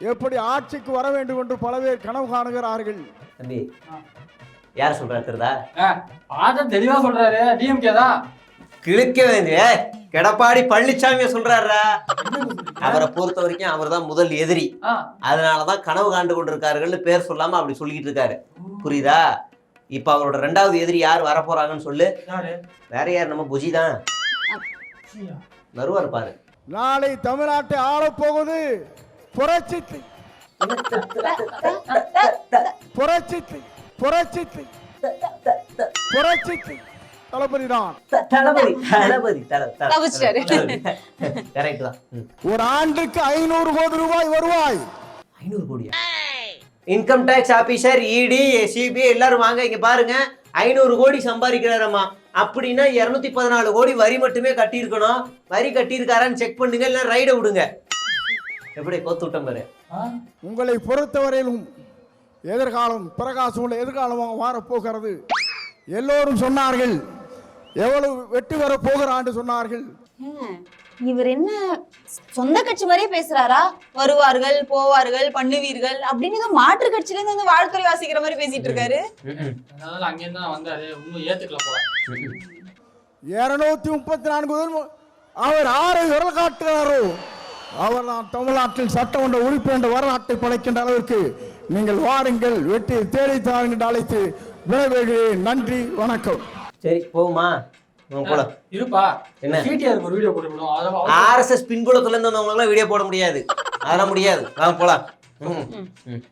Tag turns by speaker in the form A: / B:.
A: எப்படி ஆட்சிக்கு வர வேண்டும் என்று பல பேர் கனவு காணுகிறார்கள்.
B: தம்பி யார் சொல்றாரு தெரியுதா?
C: பார்த்தா தெளிவா சொல்றாரு, டிஎம்கே தான்.
B: கிழக்க வேண்டிய எடப்பாடி பழனிசாமியை சொல்றாரா? அவரை பொறுத்த வரைக்கும் அவர் தான் முதல் எதிரி. அதனாலதான் கனவு காண்டு கொண்டிருக்காருன்னு பேர் சொல்லாம அப்படி சொல்லிட்டு இருக்காரு. புரியுதா? இப்ப அவரோட 2வது எதிரி யார் வரப்போறாங்கன்னு சொல்லு. வேற யார்? நம்ம புஜி தான். வருவார் பாரு.
A: நாளை தமிழ்நாட்டை ஆளப்போகுது புரட்சி புரட்சி புரட்சி புரட்சி தளபதி தான்.
B: கரெக்ட் தான்.
A: ஒரு ஆண்டுக்கு 500 கோடி ரூபாய் வருவாய்.
B: 500 கோடியா? Income tax officer, ED, CBI எல்லாரும் வாங்க இங்க பாருங்க. 500 கோடி சம்பாதிக்கிறாரம்மா. அப்படின்னா 214 கோடி வரி மட்டுமே கட்டியிருக்கணும். வரி கட்டியிருக்காரான்னு செக் பண்ணுங்க, இல்லை ரைடை விடுங்க. எப்படி கோத்து விட்டோம் பாரு.
A: உங்களை பொறுத்தவரையிலும் எதிர்காலம் பிரகாசம் உள்ள எதிர்காலமாக மாறப்போகிறது. எல்லோரும் சொன்னார்கள் எவ்வளவு வெற்றி வர போகிறான்னு சொன்னார்கள்.
D: இவர் என்ன சொந்த கட்சி மாதிரியே பேசுறாரா? வருவார்கள் போவார்கள் பண்ணுவீர்கள் அப்படின்னு ஏதோ மாற்று கட்சியில இருந்து வந்து வாழ்த்துறை வாசிக்கிற மாதிரி பேசிட்டு இருக்காரு.
C: அதனால அங்கிருந்து தான் வந்தாரு. இன்னும் ஏத்துக்கல போல.
A: 234 அவர் ஆரை விரல் காட்டுகிறாரோ அவர் தான் தமிழ்நாட்டில் சட்டமன்ற உறுப்பினர் என்ற வரலாற்றை படைக்கின்ற அளவிற்கு நீங்கள் வாருங்கள், வெற்றி தேடி தாருங்கள் அழைத்து விடைபெறுகிறேன். நன்றி, வணக்கம்.
B: சரி போகுமா?
C: இருப்பா.
B: என்ன
C: சிடிஆருக்கு ஒரு வீடியோ போட்டுவிடும்.
B: ஆர்எஸ்எஸ் பின்புலத்துல இருந்து வந்தவங்க வீடியோ போட முடியாது. அதெல்லாம் முடியாது. வாங்க போலாம்.